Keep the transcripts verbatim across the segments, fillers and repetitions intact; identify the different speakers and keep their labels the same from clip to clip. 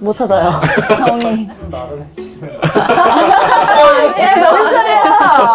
Speaker 1: 못 찾아요.
Speaker 2: 정의.
Speaker 3: 나른해지는.
Speaker 1: 야, 정신 차려!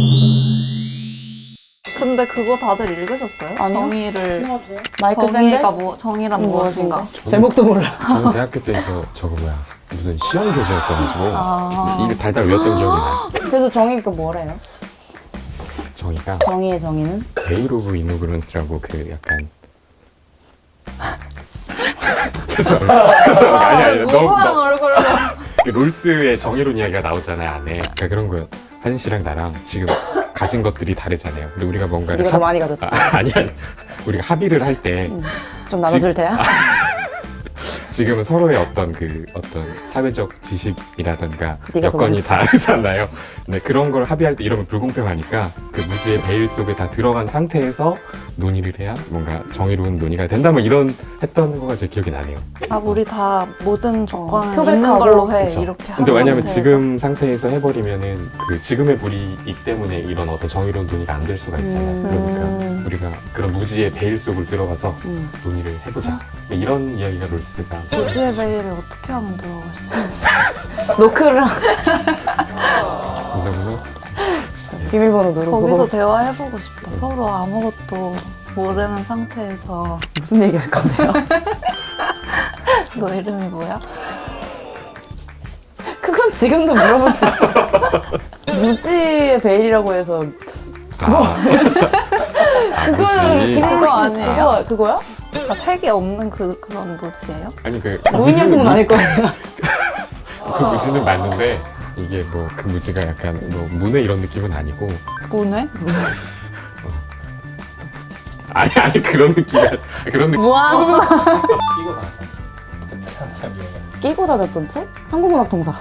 Speaker 2: 근데 그거 다들 읽으셨어요?
Speaker 1: 아니요.
Speaker 2: 정의를.
Speaker 1: 마이클 샌데?
Speaker 2: 정의가 뭐, 정의란 무엇인가?
Speaker 1: 무엇인가? 제목도 몰라.
Speaker 4: 저는 대학교 때 이거 저거 뭐야 무슨 시험 교재였어가지고
Speaker 2: 아.
Speaker 4: 이거 달달 외웠던 기억이 나요.
Speaker 1: 그래서 정의가 뭐래요?
Speaker 4: 정의가
Speaker 1: 정의의 정의는?
Speaker 4: 베일 오브 이노그런스라고 그 약간 죄송합니다. 죄송합니다. 아니 아니 너무
Speaker 2: 무고한
Speaker 4: 너무
Speaker 2: 얼굴로.
Speaker 4: 그 롤스의 정의론 이야기가 나오잖아요 안에. 그러니까 그런 거요. 하진 씨랑 나랑 지금 가진 것들이 다르잖아요. 근데 우리가 뭔가를
Speaker 1: 네가 더 많이 가졌지.
Speaker 4: 아, 아니 아니 우리가 합의를 할 때
Speaker 1: 좀 나눠줄
Speaker 4: 지-
Speaker 1: 테야?
Speaker 4: 지금은 서로의 어떤 그 어떤 사회적 지식이라던가
Speaker 1: 네가 더
Speaker 4: 여건이
Speaker 1: 많지.
Speaker 4: 다르잖아요. 근데 그런 걸 합의할 때 이러면 불공평하니까 그 무지의 베일 속에 다 들어간 상태에서 논의를 해야 뭔가 정의로운 논의가 된다 뭐 이런 했던 거가 제 기억이 나네요.
Speaker 2: 아, 우리 다 모든 조건은
Speaker 1: 표백하고.
Speaker 2: 있는 걸로 해.
Speaker 4: 그쵸?
Speaker 2: 이렇게 하는
Speaker 4: 근데 왜냐면
Speaker 2: 상태에서.
Speaker 4: 지금 상태에서 해버리면은 그 지금의 불이익 때문에 이런 어떤 정의로운 논의가 안 될 수가 있잖아요.
Speaker 1: 음.
Speaker 4: 그러니까 우리가 그런 무지의 베일 속을 들어가서
Speaker 1: 음.
Speaker 4: 논의를 해보자. 이런 이야기가 롤스가
Speaker 2: 무지의 베일을 어떻게 하면 들어갈 수 있지?
Speaker 1: 노크랑
Speaker 4: 된다고서
Speaker 1: 비밀번호 누르고
Speaker 2: 거기서 대화해보고 싶다. 서로 아무것도 모르는 상태에서.
Speaker 1: 무슨 얘기 할 건데요?
Speaker 2: 너 이름이 뭐야?
Speaker 1: 그건 지금도 물어볼 수 있죠. 무지의 베일이라고 해서
Speaker 4: 아, 아
Speaker 1: 그거는
Speaker 4: 그치.
Speaker 2: 그거 아니에요?
Speaker 1: 그거, 그거야?
Speaker 2: 아, 색이 없는 그, 그런 무지예요?
Speaker 4: 아니 그
Speaker 1: 무인양품은 아닐 거 아니야.
Speaker 4: 그 무지는 맞는데 이게 뭐 그 무지가 약간 뭐 문외 이런 느낌은 아니고
Speaker 2: 문외?
Speaker 4: 아니 아니 그런 느낌이 아니- 그런 느낌
Speaker 1: 무한
Speaker 3: 끼고 나갔다. 한참 유행했는데.
Speaker 1: 끼고 다녔던 책? 한국문학 동사.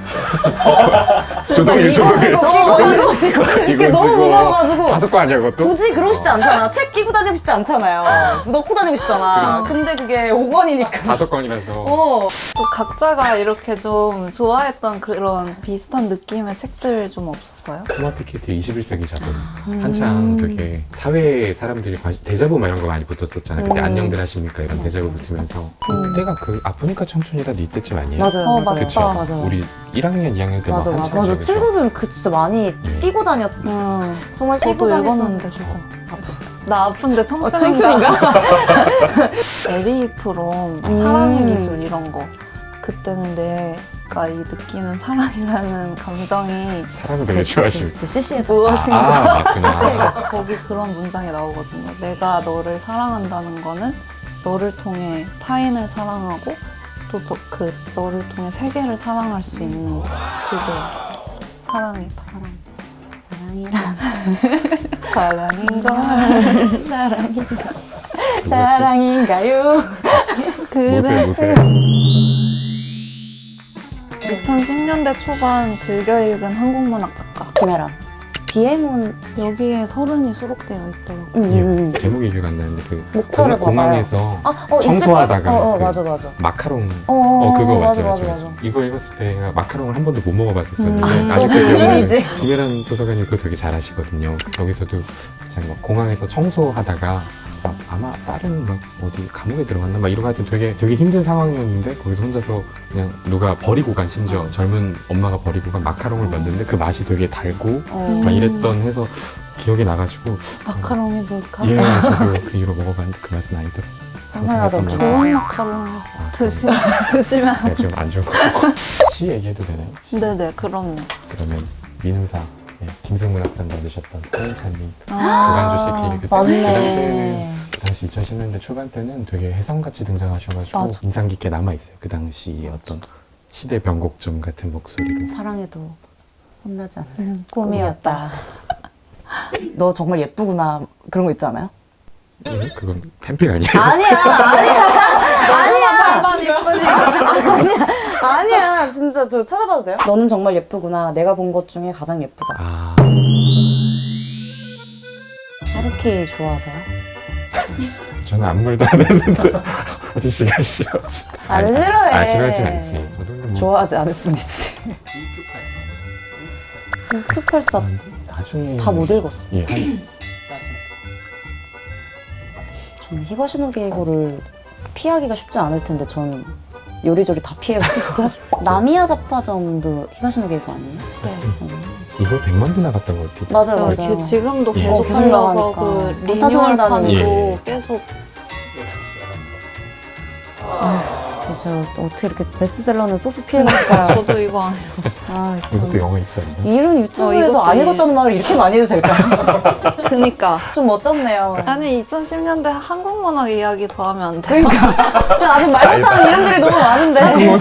Speaker 4: 조동일 조동일
Speaker 1: 저거 이거 지고
Speaker 4: 이거
Speaker 1: 너무
Speaker 4: 지고
Speaker 1: 무거워가지고
Speaker 4: 다섯 거 아니야 그것도?
Speaker 1: 굳이 그러고 싶지 않잖아. 책 끼고 다니고 싶지 않잖아요. 넣고 다니고 싶잖아. 근데 그게 오 권이니까.
Speaker 4: 다섯 건이라서
Speaker 1: 어.
Speaker 2: 또 각자가 이렇게 좀 좋아했던 그런 비슷한 느낌의 책들 좀 없었어요?
Speaker 4: 토마 피케티 이십일 세기 자본 한창 되게 사회에 사람들이 관심 데자부 막 이런 거 많이 붙었었잖아요. 그때
Speaker 1: 음.
Speaker 4: 안녕들 하십니까 이런 데자부 붙으면서 그때가 그 아프니까 청춘이다 니 때쯤 아니에요?
Speaker 1: 맞아요.
Speaker 2: 어,
Speaker 1: 맞아요.
Speaker 4: 그쵸?
Speaker 1: 맞아.
Speaker 4: 우리 일 학년 이 학년 때 막
Speaker 1: 맞아, 맞아.
Speaker 4: 한창
Speaker 1: 맞아.
Speaker 4: 그죠?
Speaker 1: 친구들은 그 진짜 많이
Speaker 4: 예.
Speaker 1: 끼고 다녔.
Speaker 2: 음,
Speaker 1: 정말 끼고
Speaker 2: 저도
Speaker 1: 다녔던
Speaker 2: 읽었는데
Speaker 1: 책.
Speaker 2: 그거. 나 아픈데
Speaker 1: 어,
Speaker 2: 청춘인가?
Speaker 1: 청춘인가?
Speaker 2: 에리 프롬,
Speaker 1: 음.
Speaker 2: 사랑의 기술 이런 거. 그때는 내가 이 느끼는 사랑이라는 감정이
Speaker 4: 사람을 되게 좋아하시고
Speaker 1: 진짜 시시해.
Speaker 2: 무엇인가.
Speaker 4: 아 맞구나
Speaker 2: 사실 거기 그런 문장이 나오거든요. 내가 너를 사랑한다는 거는 너를 통해 타인을 사랑하고 또 그 너를 통해 세계를 사랑할 수 있는 그게 사랑이다. 사랑.
Speaker 1: 사랑이란
Speaker 2: 사랑인 걸.
Speaker 1: 사랑인가
Speaker 4: 누구였지?
Speaker 1: 사랑인가요?
Speaker 4: 모세
Speaker 2: 그래.
Speaker 4: 모세
Speaker 2: 이천십 년대 초반 즐겨 읽은 한국 문학 작가.
Speaker 1: 김혜란. 비행운.
Speaker 2: 여기에 서른이 수록되어 있더라고요.
Speaker 1: 음, 음, 음.
Speaker 4: 예, 제목이 기억 안 나는데 그
Speaker 1: 목차를
Speaker 4: 공항, 공항에서
Speaker 1: 아, 어,
Speaker 4: 청소하다가
Speaker 1: 있을 거- 어, 어,
Speaker 4: 그
Speaker 1: 맞아, 맞아.
Speaker 4: 마카롱
Speaker 1: 어,
Speaker 4: 어 그거 맞죠
Speaker 1: 맞아,
Speaker 4: 맞죠
Speaker 1: 맞아, 맞아.
Speaker 4: 이거 읽었을 때 마카롱을 한 번도 못 먹어봤었었는데
Speaker 1: 음,
Speaker 4: 아직도
Speaker 1: 그
Speaker 4: 기억나는
Speaker 1: 이미지.
Speaker 4: 김혜란 소설가님 그거 되게 잘하시거든요. 여기서도 그냥 막 공항에서 청소하다가 막 아마 다른 막 어디 감옥에 들어갔나 막 이러고 하여튼 되게 되게 힘든 상황이었는데 거기서 혼자서 그냥 누가 버리고 간 심지어 젊은 엄마가 버리고 간 마카롱을 만드는데 그 맛이 되게 달고
Speaker 1: 어.
Speaker 4: 막 이랬던 해서 기억이 나가지고
Speaker 2: 마카롱이 뭘까?
Speaker 4: 예 저도 그 이후로 먹어봤는데 그 맛은 아니더라고요.
Speaker 1: 상상하던
Speaker 4: 생각했던
Speaker 1: 좋은
Speaker 2: 좋은 마카롱 드시, 드시면.
Speaker 4: 네, 좀 안 좋은 거. 시 얘기해도 되나요?
Speaker 2: 네네, 그럼요.
Speaker 4: 그러면 민우사 네, 김승문 학생 만드셨던 한찬님
Speaker 2: 아,
Speaker 4: 조간주 씨 그때 그 당시에는
Speaker 1: 맞네.
Speaker 4: 그 당시 이천십 년대 초반 때는 되게 혜성같이 등장하셔가지고
Speaker 2: 맞아.
Speaker 4: 인상 깊게 남아있어요. 그 당시의 어떤 시대 변곡점 같은 목소리로.
Speaker 1: 사랑해도 혼나지 않는 꿈이었다. 너 정말 예쁘구나. 그런 거 있지 않아요?
Speaker 4: 예? 그건 팬픽 아니에요?
Speaker 1: 아니야, 아니야, 아니야,
Speaker 2: 빨리 예쁘니까.
Speaker 1: 아니야. 진짜 저 찾아봐도 돼요? 너는 정말 예쁘구나. 내가 본 것 중에 가장 예쁘다.
Speaker 4: 아
Speaker 1: 하루키 좋아하세요?
Speaker 4: 저는 아무 말도 안 했는데 아저씨가 싫어.
Speaker 1: 안 싫어해.
Speaker 4: 아 싫어하진 않지. 저도 뭐
Speaker 1: 좋아하지 않을 뿐이지. 큐팔사
Speaker 4: 나중에
Speaker 1: 다 못 읽었어.
Speaker 4: 예, 한
Speaker 1: 저는 히가시노 게이고를 피하기가 쉽지 않을 텐데 전 요리조리 다 피해갔어. 나미야 잡화점도 히가시노 게이고 아니에요?
Speaker 2: 네.
Speaker 4: 이거 백만 부 나갔던 것 같아요.
Speaker 1: 맞아요,
Speaker 2: 어,
Speaker 1: 맞아요.
Speaker 2: 걔 지금도
Speaker 4: 예.
Speaker 2: 계속
Speaker 1: 어, 계속
Speaker 2: 팔려서
Speaker 1: 나가니까.
Speaker 2: 그
Speaker 1: 원타
Speaker 2: 리뉴얼판도
Speaker 4: 예.
Speaker 2: 계속
Speaker 1: 제가 어떻게 이렇게 베스트셀러는 쏙쏙 피해갔을까요?
Speaker 2: 저도 이거 안 읽었어요.
Speaker 1: 아, 참.
Speaker 4: 이것도 영어 있었나?
Speaker 1: 이런
Speaker 2: 어,
Speaker 1: 유튜브에서
Speaker 2: 이것도
Speaker 1: 안
Speaker 2: 이-
Speaker 1: 읽었다는 말을 이렇게 많이 해도 될까요?
Speaker 2: 그니까
Speaker 1: 좀 멋졌네요.
Speaker 2: 아니 이천십 년대 한국 문학 이야기 더 하면 안 돼요?
Speaker 1: 그러니까 지금 아직 말 못하는 이름들이 너무 많은데.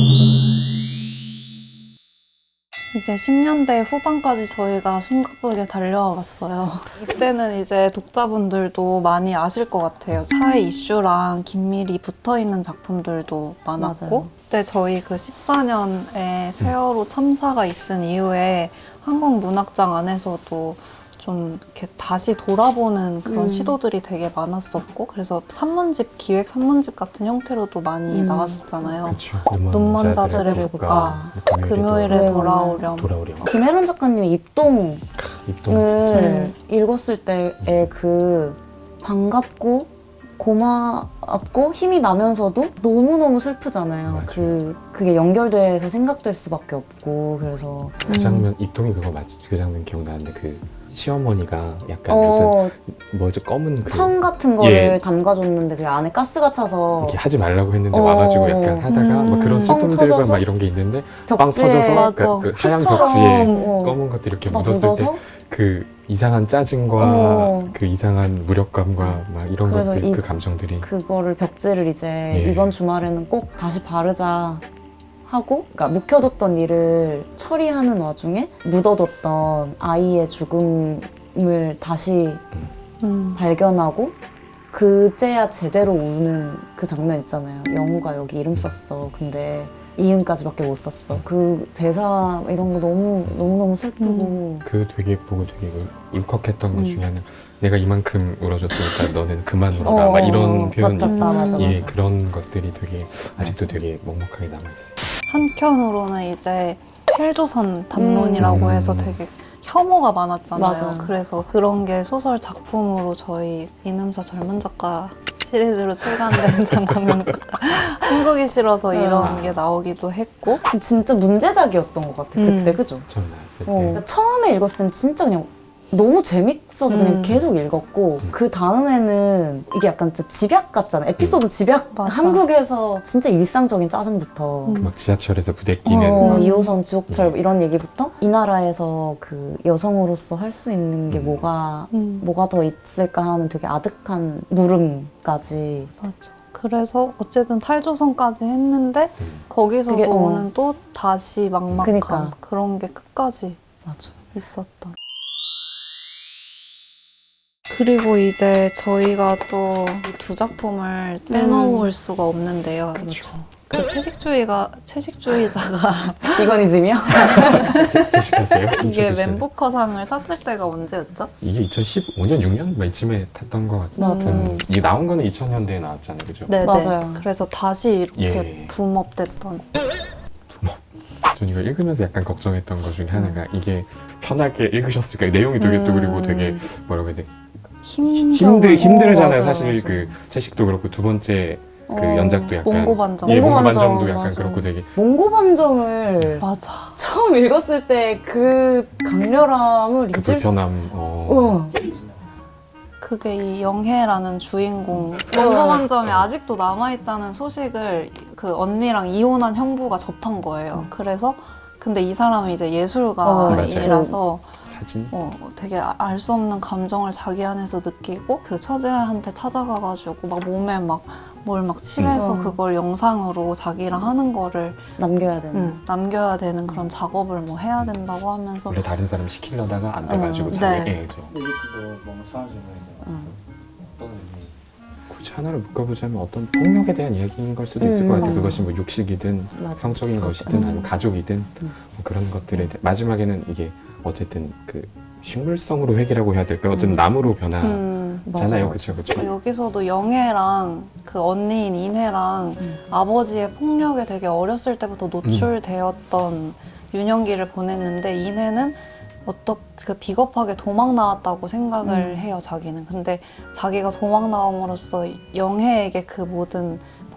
Speaker 2: 이제 십 년대 후반까지 저희가 숨가쁘게 달려와 봤어요. 이때는 이제 독자분들도 많이 아실 것 같아요. 사회 이슈랑 긴밀히 붙어있는 작품들도 많았고
Speaker 1: 맞아요.
Speaker 2: 그때 저희 그 십사 년에 세월호 참사가 있은 이후에 한국 문학장 안에서도 좀 이렇게 다시 돌아보는 그런
Speaker 1: 음.
Speaker 2: 시도들이 되게 많았었고 그래서 산문집, 기획 산문집 같은 형태로도 많이
Speaker 1: 음.
Speaker 2: 나왔었잖아요.
Speaker 4: 그렇죠.
Speaker 2: 눈먼 자들의 국가, 금요일에
Speaker 1: 네,
Speaker 2: 돌아오렴.
Speaker 4: 돌아오렴.
Speaker 1: 김혜론 작가님의 입동을
Speaker 4: 입동 진짜.
Speaker 1: 읽었을 때의 그 반갑고 고맙고 힘이 나면서도 너무너무 슬프잖아요.
Speaker 4: 맞아요.
Speaker 1: 그, 그게 연결돼서 생각될 수밖에 없고 그래서
Speaker 4: 그 장면 입동이 그거 맞지? 그 장면 기억나는데 그 시어머니가 약간
Speaker 1: 어,
Speaker 4: 무슨 뭐죠 검은 그
Speaker 1: 청 같은 거를
Speaker 4: 예.
Speaker 1: 담가줬는데 그 안에 가스가 차서
Speaker 4: 이렇게 하지 말라고 했는데
Speaker 1: 어.
Speaker 4: 와가지고 약간 하다가
Speaker 2: 음.
Speaker 4: 막 그런
Speaker 1: 빵
Speaker 4: 슬픔들과
Speaker 1: 터져서
Speaker 4: 막 이런 게 있는데 빵
Speaker 1: 벽지에
Speaker 4: 터져서
Speaker 2: 맞아.
Speaker 4: 그, 그 하얀
Speaker 1: 피처럼,
Speaker 4: 벽지에
Speaker 1: 어.
Speaker 4: 검은 것들이 이렇게
Speaker 1: 막
Speaker 4: 묻었을
Speaker 1: 묻어서
Speaker 4: 때 그 이상한 짜증과
Speaker 1: 어.
Speaker 4: 그 이상한 무력감과 막 이런
Speaker 1: 그래서
Speaker 4: 것들
Speaker 1: 이-
Speaker 4: 그 감정들이
Speaker 1: 그거를 벽지를 이제
Speaker 4: 예.
Speaker 1: 이번 주말에는 꼭 다시 바르자 하고 그러니까 묵혀뒀던 일을 처리하는 와중에 묻어뒀던 아이의 죽음을 다시
Speaker 2: 음.
Speaker 1: 발견하고 그제야 제대로 우는 그 장면 있잖아요. 영우가 여기 이름 썼어. 근데 이음까지밖에 못 썼어. 그 대사 이런 거 너무 너무 너무 슬프고
Speaker 4: 그 되게 보고 되게 울- 울컥했던 것
Speaker 1: 음.
Speaker 4: 중에 하나 내가 이만큼 울어줬으니까 너는 그만 울어라
Speaker 1: 어,
Speaker 4: 막 이런 표현이
Speaker 1: 맞다,
Speaker 2: 있어요.
Speaker 1: 맞아, 맞아.
Speaker 4: 예 그런 것들이 되게 아직도 되게 먹먹하게 남아있어요.
Speaker 2: 한켠으로는 이제 헬조선 담론이라고
Speaker 4: 음.
Speaker 2: 해서 되게 혐오가 많았잖아요.
Speaker 1: 맞아요.
Speaker 2: 그래서 그런 게 소설 작품으로 저희 이능사 젊은 작가 시리즈로 출간된 장강명 작가 한국이 싫어서 이런
Speaker 4: 아.
Speaker 2: 게 나오기도 했고
Speaker 1: 진짜 문제작이었던 것 같아.
Speaker 2: 음.
Speaker 1: 그때 그죠?
Speaker 4: 처음 나왔을
Speaker 1: 어.
Speaker 4: 때
Speaker 1: 그러니까 처음에 읽었을 땐 진짜 그냥 너무 재밌어서 그냥
Speaker 2: 음.
Speaker 1: 계속 읽었고
Speaker 4: 음.
Speaker 1: 그 다음에는 이게 약간 진짜 집약 같잖아. 에피소드 집약.
Speaker 2: 맞아.
Speaker 1: 한국에서 진짜 일상적인 짜증부터
Speaker 2: 음.
Speaker 4: 그 막 지하철에서 부대끼는
Speaker 1: 어,
Speaker 4: 막
Speaker 1: 이 호선 지옥철
Speaker 4: 음.
Speaker 1: 이런 얘기부터 이 나라에서 그 여성으로서 할 수 있는 게
Speaker 4: 음.
Speaker 1: 뭐가
Speaker 2: 음.
Speaker 1: 뭐가 더 있을까 하는 되게 아득한 물음까지
Speaker 2: 맞아. 그래서 어쨌든 탈조선까지 했는데
Speaker 4: 음.
Speaker 2: 거기서도
Speaker 1: 그게, 어.
Speaker 2: 오는 또 다시 막막함
Speaker 1: 그니까.
Speaker 2: 그런 게 끝까지
Speaker 1: 맞아.
Speaker 2: 있었다. 그리고 이제 저희가 또 두 작품을 빼놓을 수가 없는데요.
Speaker 1: 그렇죠.
Speaker 2: 그 채식주의가 채식주의자가
Speaker 1: 비거니즘이요?
Speaker 4: 제식하세요?
Speaker 2: 이게 맨부커상을 탔을 때가 언제였죠?
Speaker 4: 이게 이천십오 년 육 년 이쯤에 탔던 것 같은
Speaker 1: 맞아요.
Speaker 4: 이게 나온 거는 이천 년대에 나왔잖아요, 그죠?
Speaker 2: 네네.
Speaker 1: 맞아요.
Speaker 2: 그래서 다시 이렇게
Speaker 4: 예.
Speaker 2: 붐업됐던.
Speaker 4: 전 이거 읽으면서 약간 걱정했던 것 중에 하나가 이게 편하게 읽으셨을까? 내용이 되게 또 그리고 되게 뭐라고 해야 돼?
Speaker 2: 힘겨운
Speaker 4: 힘들 힘들잖아요.
Speaker 1: 맞아요,
Speaker 4: 사실
Speaker 1: 맞아요.
Speaker 4: 그 채식도 그렇고 두 번째 그
Speaker 1: 어,
Speaker 4: 연작도 약간
Speaker 2: 몽고반정.
Speaker 4: 예,
Speaker 1: 몽고반정,
Speaker 4: 몽고반정도 약간
Speaker 1: 맞아.
Speaker 4: 그렇고 되게
Speaker 1: 몽고반정을
Speaker 2: 맞아.
Speaker 1: 처음 읽었을 때 그 강렬함을
Speaker 4: 그
Speaker 1: 잊을 수
Speaker 4: 불편함. 어.
Speaker 1: 어.
Speaker 2: 그게 이 영혜라는 주인공 몽고반점이 아직도 남아있다는 소식을 그 언니랑 이혼한 형부가 접한 거예요. 그래서 근데 이 사람은 이제
Speaker 1: 어,
Speaker 2: 예술가이라서
Speaker 4: 사진.
Speaker 2: 어, 되게 알 수 없는 감정을 자기 안에서 느끼고 그 처제한테 찾아가가지고 막 몸에 막 뭘 막 칠해서
Speaker 1: 음.
Speaker 2: 그걸 영상으로 자기랑 하는 거를
Speaker 1: 남겨야 되는.
Speaker 2: 음, 남겨야 되는 그런 작업을 뭐 해야 된다고 하면서
Speaker 4: 원래 다른 사람 시키려다가 안 돼가지고
Speaker 1: 어,
Speaker 4: 자기
Speaker 2: 네.
Speaker 4: 예, 저.
Speaker 3: 근데 이것도 너무 사라지는 거잖아.
Speaker 1: 음.
Speaker 3: 어떤 의미?
Speaker 4: 굳이 하나를 묶어보자면 어떤 폭력에 대한 이야기인 걸 수도 있을
Speaker 1: 음,
Speaker 4: 것 같아요.
Speaker 1: 맞아.
Speaker 4: 그것이 뭐 육식이든
Speaker 1: 맞아.
Speaker 4: 성적인 것이든
Speaker 1: 음.
Speaker 4: 아니면 가족이든
Speaker 1: 음.
Speaker 4: 뭐 그런 것들에 대해 마지막에는 이게 어쨌든 그 식물성으로 회귀라고 해야 될까요? 어쨌든
Speaker 1: 음.
Speaker 4: 나무로 변하잖아요.
Speaker 2: 음,
Speaker 1: 맞아,
Speaker 4: 그렇죠, 그렇죠.
Speaker 2: 여기서도 영애랑 그 언니인 인혜랑
Speaker 1: 음.
Speaker 2: 아버지의 폭력에 되게 어렸을 때부터 노출되었던 유년기를 보냈는데 인혜는 어떻게 그 비겁하게 도망 나왔다고 생각을
Speaker 1: 음.
Speaker 2: 해요, 자기는. 근데 자기가 도망 나옴으로써 영혜에게 그 모든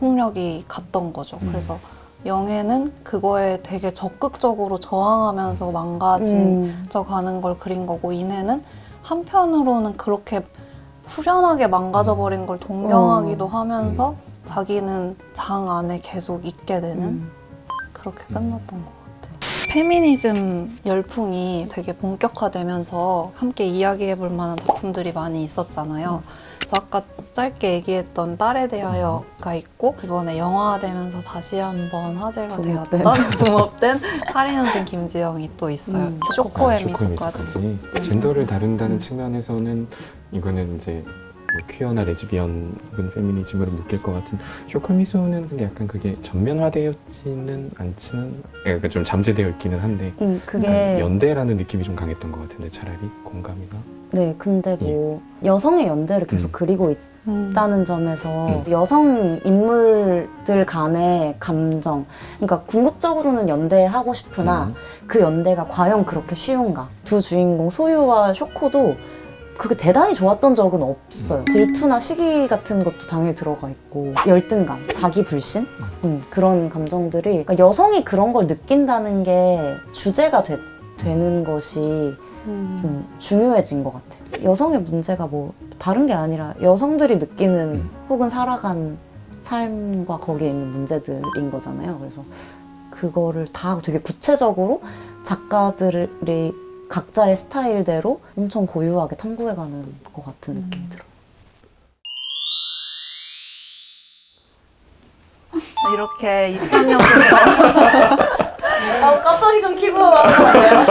Speaker 2: 폭력이 갔던 거죠.
Speaker 4: 음.
Speaker 2: 그래서 영애는 그거에 되게 적극적으로 저항하면서 망가진
Speaker 1: 음.
Speaker 2: 져 가는 걸 그린 거고, 이내는 한편으로는 그렇게 후련하게 망가져버린 걸 동경하기도
Speaker 1: 어.
Speaker 2: 하면서 자기는 장 안에 계속 있게 되는
Speaker 1: 음.
Speaker 2: 그렇게 끝났던 것 같아요. 페미니즘 열풍이 되게 본격화되면서 함께 이야기해볼 만한 작품들이 많이 있었잖아요. 그래서 아까 짧게 얘기했던 딸에 대하여가 있고, 이번에 영화화되면서 다시 한번 화제가
Speaker 1: 붕업된.
Speaker 2: 되었던 붕업된 팔이 년생 김지영이 또 있어요.
Speaker 1: 음.
Speaker 2: 쇼코의
Speaker 4: 아,
Speaker 2: 미소까지.
Speaker 4: 쇼코의 미소까지. 젠더를 다룬다는 측면에서는 이거는 이제 뭐 퀴어나 레즈비언 혹은 페미니즘으로 묶일 것 같은 쇼코의 미소는 근데 약간 그게 전면화되었지는 않지는 약간 좀 잠재되어 있기는 한데
Speaker 1: 음,
Speaker 4: 약간
Speaker 1: 그게
Speaker 4: 연대라는 느낌이 좀 강했던 것 같은데 차라리 공감이가
Speaker 1: 네, 근데 뭐 여성의 연대를 계속
Speaker 4: 음.
Speaker 1: 그리고
Speaker 2: 음.
Speaker 1: 있다는 점에서
Speaker 4: 음.
Speaker 1: 여성 인물들 간의 감정, 그러니까 궁극적으로는 연대하고 싶으나
Speaker 4: 음.
Speaker 1: 그 연대가 과연 그렇게 쉬운가? 두 주인공 소유와 쇼코도 그게 대단히 좋았던 적은 없어요. 질투나 시기 같은 것도 당연히 들어가 있고, 열등감, 자기 불신? 음, 그런 감정들이, 그러니까 여성이 그런 걸 느낀다는 게 주제가 되, 되는 것이
Speaker 2: 음.
Speaker 1: 좀 중요해진 것 같아요. 여성의 문제가 뭐 다른 게 아니라 여성들이 느끼는
Speaker 4: 음.
Speaker 1: 혹은 살아간 삶과 거기에 있는 문제들인 거잖아요. 그래서 그거를 다 되게 구체적으로 작가들이 각자의 스타일대로 엄청 고유하게 탐구해가는 것 같은 느낌이 들어요.
Speaker 2: 이렇게 이천 년부터
Speaker 1: 아, 깜빡이 좀 켜고 와요.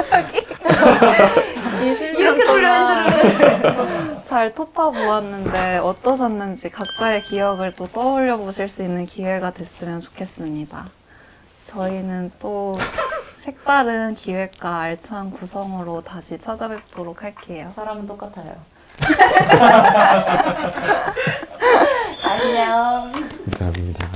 Speaker 1: 이렇게 돌려 핸들을.
Speaker 2: 잘 토파 보았는데 어떠셨는지 각자의 기억을 또 떠올려 보실 수 있는 기회가 됐으면 좋겠습니다. 저희는 또 색다른 기획과 알찬 구성으로 다시 찾아뵙도록 할게요.
Speaker 1: 사람은 똑같아요. 안녕.
Speaker 4: 감사합니다.